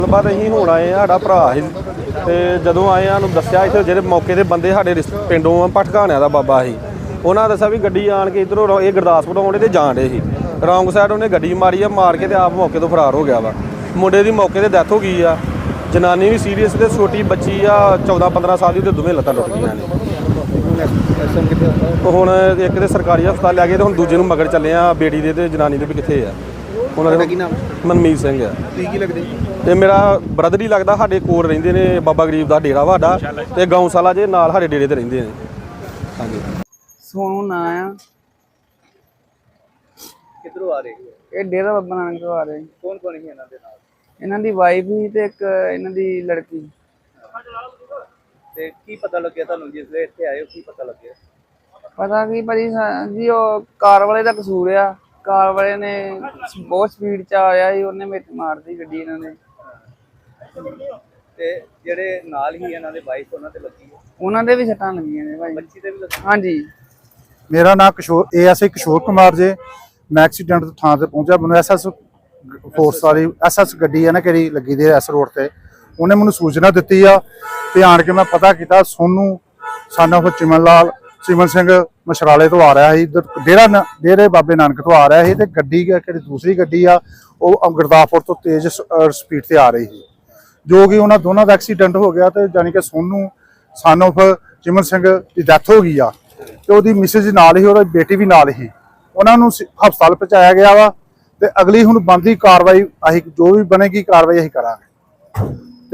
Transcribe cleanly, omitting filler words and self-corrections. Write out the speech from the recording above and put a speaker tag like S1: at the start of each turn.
S1: ਗੱਲਬਾਤ ਅਸੀਂ ਹੁਣ ਆਏ ਆ, ਸਾਡਾ ਭਰਾ ਸੀ ਤੇ ਜਦੋਂ ਆਏ ਆ ਨੂੰ ਦੱਸਿਆ ਇੱਥੇ ਜਿਹੜੇ ਮੌਕੇ ਦੇ ਬੰਦੇ ਸਾਡੇ ਪਿੰਡੋਂ ਭਟਕਾਣਿਆਂ ਦਾ ਬਾਬਾ ਸੀ, ਉਹਨਾਂ ਦੱਸਿਆ ਵੀ ਗੱਡੀ ਆਣ ਕੇ ਇੱਧਰੋਂ ਇਹ ਗੁਰਦਾਸਪੁਰ ਆਉਂਦੇ ਤੇ ਜਾਣ ਡੇ ਸੀ, ਰੌਂਗ ਸਾਈਡ ਉਹਨੇ ਗੱਡੀ ਮਾਰੀ ਆ, ਮਾਰ ਕੇ ਤੇ ਆਪ ਮੌਕੇ ਤੋਂ ਫਰਾਰ ਹੋ ਗਿਆ ਵਾ। ਮੁੰਡੇ ਦੀ ਮੌਕੇ ਤੇ ਡੈਥ ਹੋ ਗਈ ਆ, ਜਨਾਨੀ ਵੀ ਸੀਰੀਅਸ ਤੇ ਛੋਟੀ ਬੱਚੀ ਆ 14-15 ਸਾਲ ਦੀ, ਉਹਦੇ ਦੋਵੇਂ ਲੱਤਾਂ ਟੁੱਟ ਗਈਆਂ ਨੇ। ਹੁਣ ਇੱਕ ਦੇ ਸਰਕਾਰੀ ਹਸਪਤਾਲ ਲੈ ਗਏ ਤੇ ਹੁਣ ਦੂਜੇ ਨੂੰ ਮਗਰ ਚੱਲੇ ਆ, ਬੇੜੀ ਦੇ ਤੇ ਜਨਾਨੀ ਦੇ ਵੀ ਕਿੱਥੇ ਆ। ਉਹਨਾਂ ਦਾ ਕੀ ਨਾਮ? ਮਨਮੀਤ ਸਿੰਘ ਆ।
S2: ਕੀ ਲੱਗਦੇ?
S1: ਤੇ ਮੇਰਾ ਬ੍ਰਦਰ ਹੀ ਲੱਗਦਾ, ਸਾਡੇ ਕੋਲ ਰਹਿੰਦੇ ਨੇ, ਬਾਬਾ ਗਰੀਬ ਦਾ ਡੇਰਾ ਵਾਡਾ ਤੇ ਗਊਸ਼ਾਲਾ ਜੇ ਨਾਲ ਸਾਡੇ ਡੇਰੇ ਤੇ ਰਹਿੰਦੇ ਨੇ। ਹਾਂਜੀ।
S3: ਸੋਨੂ ਨਾਂ ਆ।
S2: ਕਿੱਧਰੋਂ ਆ ਰਹੇ?
S3: ਇਹ ਡੇਰਾ ਬਾਬਾ ਨਾਨਕ ਤੋਂ ਆ ਰਹੇ।
S2: ਕੌਣ ਕੌਣ ਸੀ ਇਹਨਾਂ ਦੇ ਨਾਲ?
S3: ਇਹਨਾਂ ਦੀ ਵਾਈਫ ਹੀ ਤੇ ਇੱਕ ਇਹਨਾਂ ਦੀ ਲੜਕੀ।
S2: ਤੇ ਕੀ ਪਤਾ ਲੱਗਿਆ ਤੁਹਾਨੂੰ ਜਿਸ ਵੇਲੇ ਇੱਥੇ ਆਏ ਹੋ? ਕੀ ਪਤਾ ਲੱਗਿਆ?
S3: ਪਤਾ ਕੀ ਭਾਜੀ ਜੀ, ਉਹ ਕਾਰ ਵਾਲੇ ਦਾ ਕਸੂਰ ਆ। ਕਾਰ ਵਾਲੇ ਨੇ ਬਹੁਤ ਸਪੀਡ 'ਚ ਆਇਆ ਸੀ, ਉਹਨੇ ਵਿੱਚ ਮਾਰਦੀ ਗੱਡੀ ਇਹਨਾਂ ਨੇ।
S2: ਤੇ ਜਿਹੜੇ ਨਾਲ ਹੀ ਇਹਨਾਂ ਦੇ ਵਾਈਫ, ਉਹਨਾਂ ਤੇ ਲੱਗੀ ਹੈ?
S3: ਉਹਨਾਂ ਦੇ ਵੀ ਸੱਟਾਂ ਲੱਗੀਆਂ ਨੇ ਭਾਜੀ।
S2: ਬੱਚੀ ਤੇ ਵੀ ਲੱਗੀ?
S3: ਹਾਂਜੀ।
S4: ਮੇਰਾ ਨਾਮ ASI ਕਿਸ਼ੋਰ ਕੁਮਾਰ ਜੇ। ਮੈਂ ਐਕਸੀਡੈਂਟ ਤੋਂ ਥਾਂ ਤੇ ਪਹੁੰਚਿਆ। ਮੈਨੂੰ SS ਫੋਰਸ ਵਾਲੀ SS ਗੱਡੀ ਹੈ ਨਾ ਕਿਹੜੀ ਲੱਗੀ ਦੀ S ਰੋਡ ਤੇ, ਉਹਨੇ ਮੈਨੂੰ ਸੂਚਨਾ ਦਿੱਤੀ ਆ ਤੇ ਆਣ ਕੇ ਮੈਂ ਪਤਾ ਕੀਤਾ। ਸੋਨੂ son of ਚਿਮਨ ਸਿੰਘ ਮਸ਼ਰਾਲੇ ਤੋਂ ਆ ਰਿਹਾ ਸੀ, ਡੇਰੇ ਬਾਬੇ ਨਾਨਕ ਤੋਂ ਆ ਰਿਹਾ ਸੀ ਤੇ ਗੱਡੀ ਕਿਹੜੀ ਦੂਸਰੀ ਗੱਡੀ ਆ ਉਹ ਗੁਰਦਾਸਪੁਰ ਤੋਂ ਤੇਜ਼ ਸਪੀਡ ਤੇ ਆ ਰਹੀ ਸੀ, ਜੋ ਕਿ ਉਹਨਾਂ ਦੋਨਾਂ ਦਾ ਐਕਸੀਡੈਂਟ ਹੋ ਗਿਆ ਤੇ ਜਾਨੀ ਕਿ ਸੋਨੂ son of ਚਿਮਨ ਸਿੰਘ ਦੀ ਡੈਥ ਹੋ ਗਈ ਆ ਤੇ ਉਹਦੀ ਮਿਸਿਸ ਨਾਲ ਹੀ, ਉਹਦੀ ਬੇਟੀ ਵੀ ਨਾਲ ਹੀ। ਉਹਨਾਂ ਨੂੰ ਹਸਪਤਾਲ ਪਹੁੰਚਾਇਆ ਗਿਆ ਵਾ ਤੇ ਅਗਲੀ ਹੁਣ ਬਣਦੀ ਕਾਰਵਾਈ ਅਸੀਂ ਜੋ ਵੀ ਬਣੇਗੀ ਕਾਰਵਾਈ ਅਸੀਂ ਕਰਾਂਗੇ।